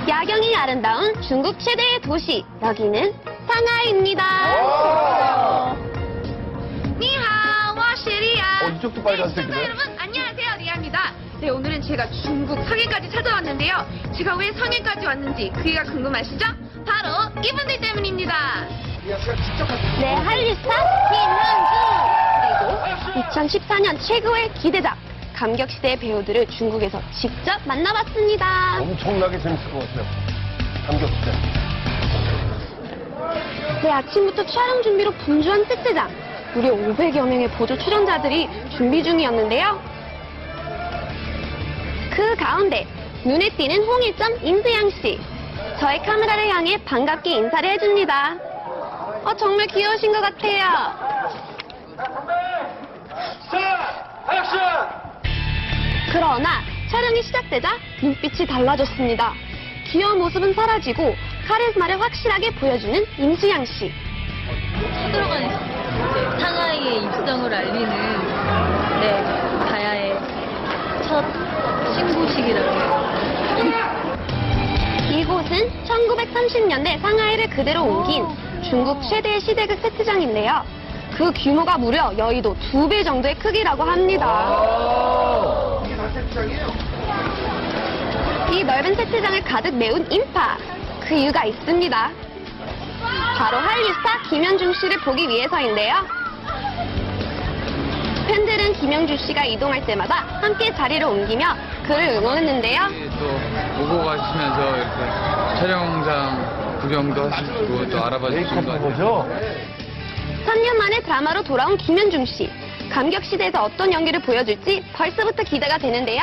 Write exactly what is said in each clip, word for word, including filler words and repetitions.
야경이 아름다운 중국 최대의 도시, 여기는 상하이입니다. 니하오, 와시리야. 어, 이쪽도 빨간색이네. 네, 여러분, 안녕하세요, 리아입니다. 네, 오늘은 제가 중국 상해까지 찾아왔는데요. 제가 왜 상해까지 왔는지 그 이유가 궁금하시죠? 바로 이분들 때문입니다. 네, 한류스타 김현중! 그리고 이천십사 년 최고의 기대작, 감격시대의 배우들을 중국에서 직접 만나봤습니다. 엄청나게 재밌을 것 같아요. 감격시대. 네, 아침부터 촬영 준비로 분주한 세트장. 무려 오백여 명의 보조 출연자들이 준비 중이었는데요. 그 가운데 눈에 띄는 홍일점 임수양 씨. 저의 카메라를 향해 반갑게 인사를 해줍니다. 어, 정말 귀여우신 것 같아요. 그러나 촬영이 시작되자 눈빛이 달라졌습니다. 귀여운 모습은 사라지고 카리스마를 확실하게 보여주는 임수양 씨. 들어가는 상하이의 입성을 알리는 네 가야의 첫 신고식이라고 해요. 이곳은 천구백삼십 년대 상하이를 그대로 옮긴 중국 최대의 시대극 세트장인데요. 그 규모가 무려 여의도 두 배 정도의 크기라고 합니다. 이게 다 세트장이에요? 이 넓은 세트장을 가득 메운 인파. 그 이유가 있습니다. 바로 한류스타 김현중 씨를 보기 위해서인데요. 팬들은 김현중 씨가 이동할 때마다 함께 자리를 옮기며 그를 응원했는데요. 또 오고 가시면서 이렇게 촬영장 구경도 하시고 또 알아봐 주시는 거 메이크업 아니에요? 거죠? 삼 년 만에 드라마로 돌아온 김현중 씨. 감격시대에서 어떤 연기를 보여줄지 벌써부터 기대가 되는데요.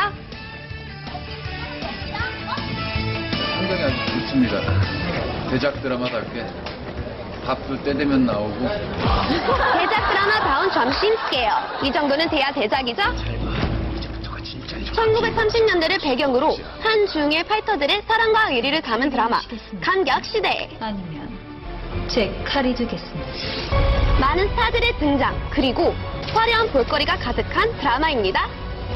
상당히 아주 좋습니다. 대작 드라마답게 밥도 때 되면 나오고 대작 드라마다운 점심 스케어. 이 정도는 돼야 대작이죠? 천구백삼십 년대를 배경으로 한 중의 파이터들의 사랑과 의리를 담은 드라마 감격시대. 아니면 제 칼이 주겠습니다. 많은 스타들의 등장, 그리고 화려한 볼거리가 가득한 드라마입니다.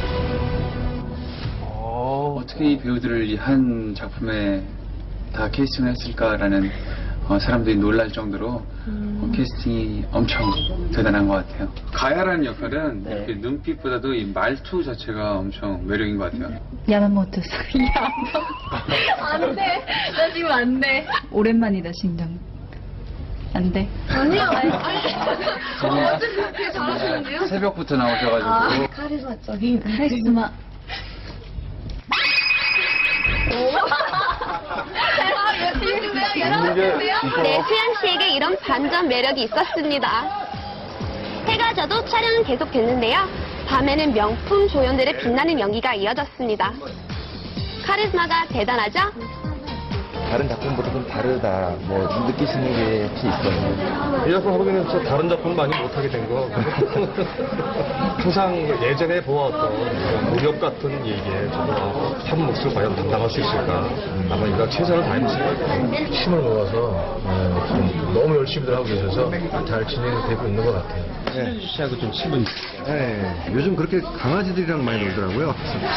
어, 어떻게 이 배우들을 이 한 작품에 다 캐스팅을 했을까라는 어, 사람들이 놀랄 정도로 어, 캐스팅이 엄청 대단한 것 같아요. 가야라는 역할은 네. 이렇게 눈빛보다도 이 말투 자체가 엄청 매력인 것 같아요. 야마모토 상. 안 돼. 나 지금 안 돼. 오랜만이다 심장. 안 돼. 아니요. 어, 되게 잘하시는데요? 새벽부터 나오셔가지고 카리스마적인 카리스마. 네, 수양 씨에게 이런 반전 매력이 있었습니다. 해가 져도 촬영은 계속됐는데요. 밤에는 명품 조연들의 빛나는 연기가 이어졌습니다. 카리스마가 대단하죠? 다른 작품보다 좀 다르다, 뭐 느끼시는 게 혹시 있어요? 이 작품 하면은 진짜 다른 작품 많이 못하게 된 거. 항상 예전에 보았던 무력 같은 얘기에 저도 한 몫을 과연 담당할 수 있을까. 아마 이가 최선을 다했을 거예요. 힘을 모아서 어, 좀 너무 열심히들 하고 계셔서 잘 진행되고 있는 것 같아요. 네. 씨하고 좀 친분. 네. 요즘 그렇게 강아지들이랑 많이 놀더라고요.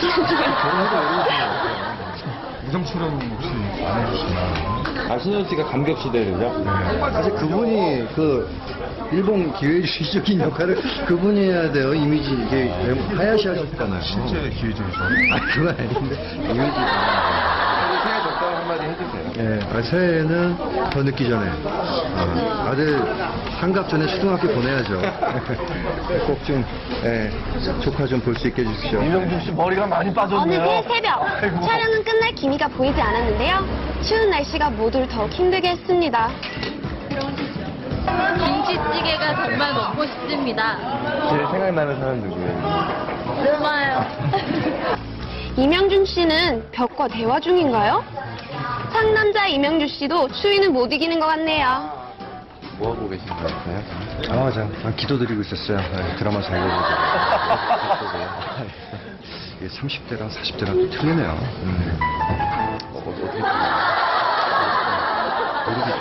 무성처럼 혹시 안 해주시나? 아, 신현 씨가 감격시대를요? 네. 사실 그분이 그 일본 기회주의적인 역할을 그분이 해야 돼요. 이미지 이게 하야시 하셨잖아요. 실제 기회주의죠. 아, 그건 아닌데 이미지. 새해 덕담 한마디 해주세요. 네, 아, 새해에는 더 늦기 전에 아, 아들 한갑 전에 초등학교 보내야죠. 꼭 좀 예, 조카 좀 볼 수 있게 해주십시오. 이명준 씨 머리가 많이 어느 빠졌네요. 그 새벽, 아이고. 촬영은 끝날 기미가 보이지 않았는데요. 추운 날씨가 모두를 더욱 힘들게 했습니다. 김치찌개가 정말 먹고 싶습니다. 제일 생각나는 사람 누구예요? 얼마요? 이명준 씨는 벽과 대화 중인가요? 상남자 이명준 씨도 추위는 못 이기는 것 같네요. 뭐 하고 계신 것 같아요? 아, 저 아, 기도드리고 있었어요. 네, 드라마 잘 보고. 이게 삼십 대랑 사십 대랑 또 틀리네요. 음. 어, 어떻게 무릎이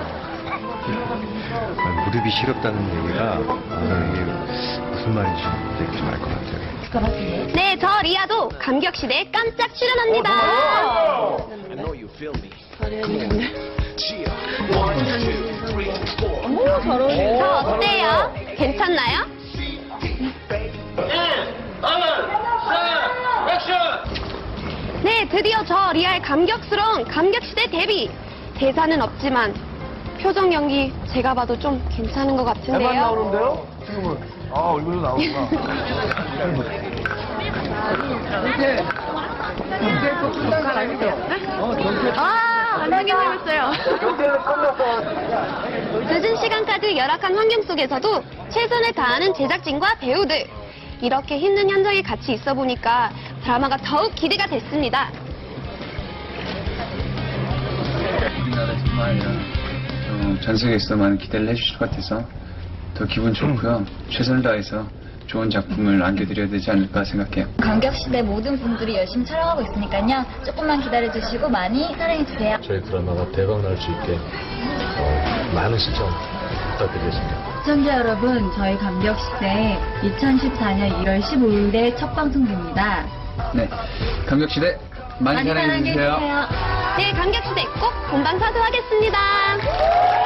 좀 아, 무릎이 시렵다는 얘기가 아, 이게 무슨 말인지 되게 좀 알 것 같아요. 네, 저 리아도 감격시대에 깜짝 출연합니다. 저 어때요? 괜찮나요? 네, 드디어 저 리아의 감격스러운 감격시대 데뷔. 대사는 없지만 표정 연기 제가 봐도 좀 괜찮은 것 대만 같은데요. 나오는데요? 지금은. 아, 얼굴도 나오구나. 아, 완전 괜찮았어요. 늦은 시간까지 열악한 환경 속에서도 최선을 다하는 제작진과 배우들. 이렇게 힘든 현장에 같이 있어 보니까 드라마가 더욱 기대가 됐습니다. 우리나라뿐만 아니라 어, 전 세계에서 많은 기대를 해주실 것 같아서 더 기분 좋고요. 최선을 다해서 좋은 작품을 안겨드려야 되지 않을까 생각해요. 감격시대 모든 분들이 열심히 촬영하고 있으니까요. 조금만 기다려주시고 많이 사랑해주세요. 저희 드라마가 대박 날 수 있게 어, 많은 시청 부탁드리겠습니다. 시청자 여러분, 저희 감격시대 이천십사 년 일월 십오일에 첫 방송됩니다. 네, 감격시대 많이, 많이 사랑해주세요. 사랑해주세요. 네, 감격시대 꼭 본방사수하겠습니다.